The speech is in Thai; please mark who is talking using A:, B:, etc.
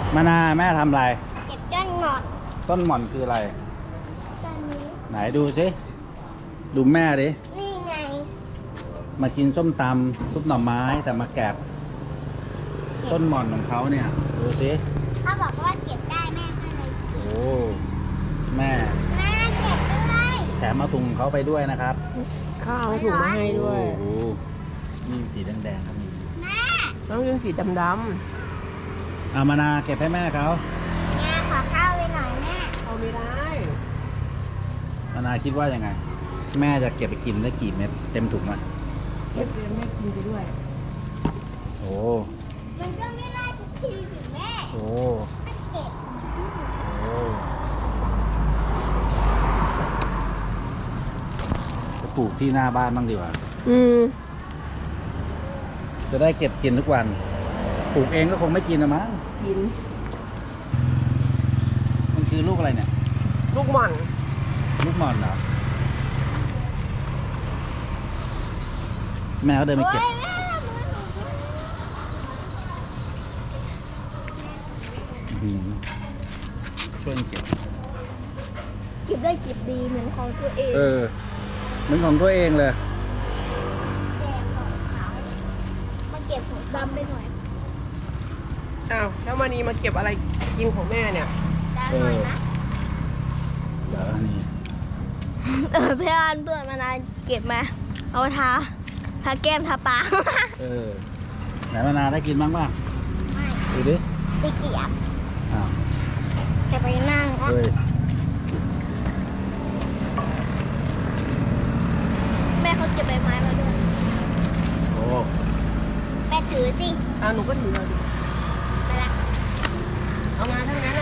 A: มานาแม่ทำอะไร
B: เก็บต้นหมด
A: ต้นหม่อนคืออะไร
B: ต้นนี้
A: ไหนดูสิดูแม่ดิ
B: นี่ไง
A: มากินส้มตำซุปหน่อไม้แต่มาแกะต้นหม่อนของเขาเนี่ยดูสิ
B: เขาบอกว่าเก็บได้แม่ก็เลย
A: โอ้แม่
B: แม่เก็บด้วย
A: แถมมาถุงเขาไปด้วยนะครับ
C: ข้าวให้ถุงมาให้ด้วย
A: โอ้โหนี่สีแดงๆครับนี่
B: แม่
C: ต้องเป็นสีดำ
A: เอามานาเก็บให้แม่เขา
B: แม่ขอข้าวไปหน่อยแม่
C: ๆเอาไม่ได้
A: มานาคิดว่ายังไง แม่จะเก็บไปกินได้กี่เม็ดเต็มถุงไหม
C: เก็บเไม่กินไปด้วย
A: โอ้
B: มันก็ไม่ได้ทุกทีสิแม่
A: โอ้
B: ไม่เก็บ
A: โอ้จะปลูกที่หน้าบ้านบ้างดีกว่า
C: อืม
A: จะได้เก็บกินทุกวัน ปลูกเองก็คงไม่กินนะมั้ง
C: กิน
A: มันคือลูกอะไรเนี่ย
C: ลูกหม่อน
A: ลูกหม่อนเหรอ แม่เขาเดินไป
B: โอ้
A: เก็บ
B: ยแม่มือหนูด้วย
A: อื้อหือช่วยเก็บ
B: เก็บได้เก็บดีเหมือนของตัวเอง
A: เออเหมือนของตัวเองเลย
B: แดงของเขามาเก็บของดำไปหน่อย
C: อ้าวแล้วมานีมาเก็บอะไรกินของแม่เนี่ย
B: ดำหน่อยนะ
A: เดี๋ยวอันนี้
B: เพื่อนเพื่อนมานานเก็บมา เอามาทาแก้มทาปาก
A: เออ ไหนมานาได้กินบ้างป่ะ
B: ไม่
A: ดูดิ
B: ไปเกียบ
A: อ้าว
B: จะไปนั่งนะ
A: เฮ้ย
B: แม่เขาเก็บใบไม้มาด้วย
A: โอ้
B: แม่ถือสิ
C: อ้าวหนูก็ถือเลยดิ
B: ไปละ
C: เอามาทั้งนั้น